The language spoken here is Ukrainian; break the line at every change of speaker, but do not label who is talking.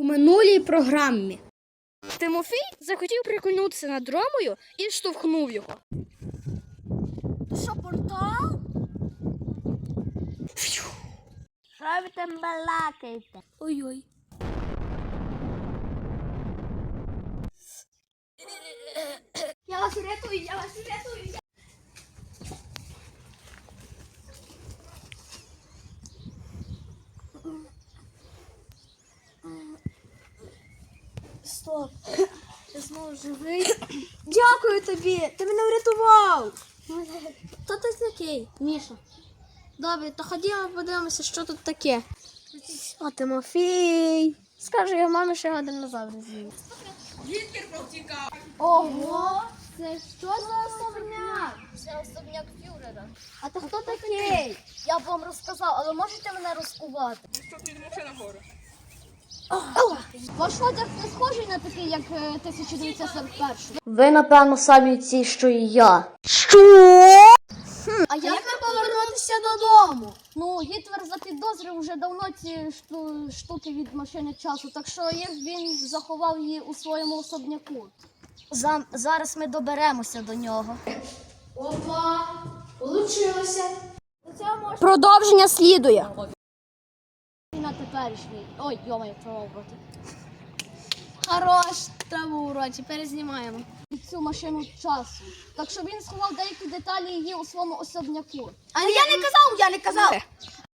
у минулій програмі.
Тимофій захотів прикольнутися над Ромою і штовхнув його.
Що, портал?
Що ви там балакаєте?
Ой-ой. Я вас рятую, я вас рятую. Стоп. Я знову живий. Дякую тобі, ти мене врятував. Хто ти такий? Міша. Добре, то ходімо подивимося, що тут таке. О, Тимофій. Скажу я мамі, що я динозавр з'їв.
Гітлер повтікав.
Ого, це що за особняк?
Це особняк фюрера.
А ти хто такий?
Я б вам розказав, але можете мене розкувати?
Що підемо ще нагору?
Ваш одяг не схожий на такий, як 1941.
Ви, напевно, самі ці, що і я.
А як нам повернутися додому? Ну, Гітлер запідозрив вже давно ці штуки від машини часу, так що він заховав її у своєму особняку.
Зараз ми доберемося до нього.
Опа, получилося.
Продовження слідує.
На теперішній. Ой, йома, трава проти. Хорош, траву уроці, перезнімаємо. Цю машину часу. Так що він сховав деякі деталі її у своєму особняку.
Я не казав!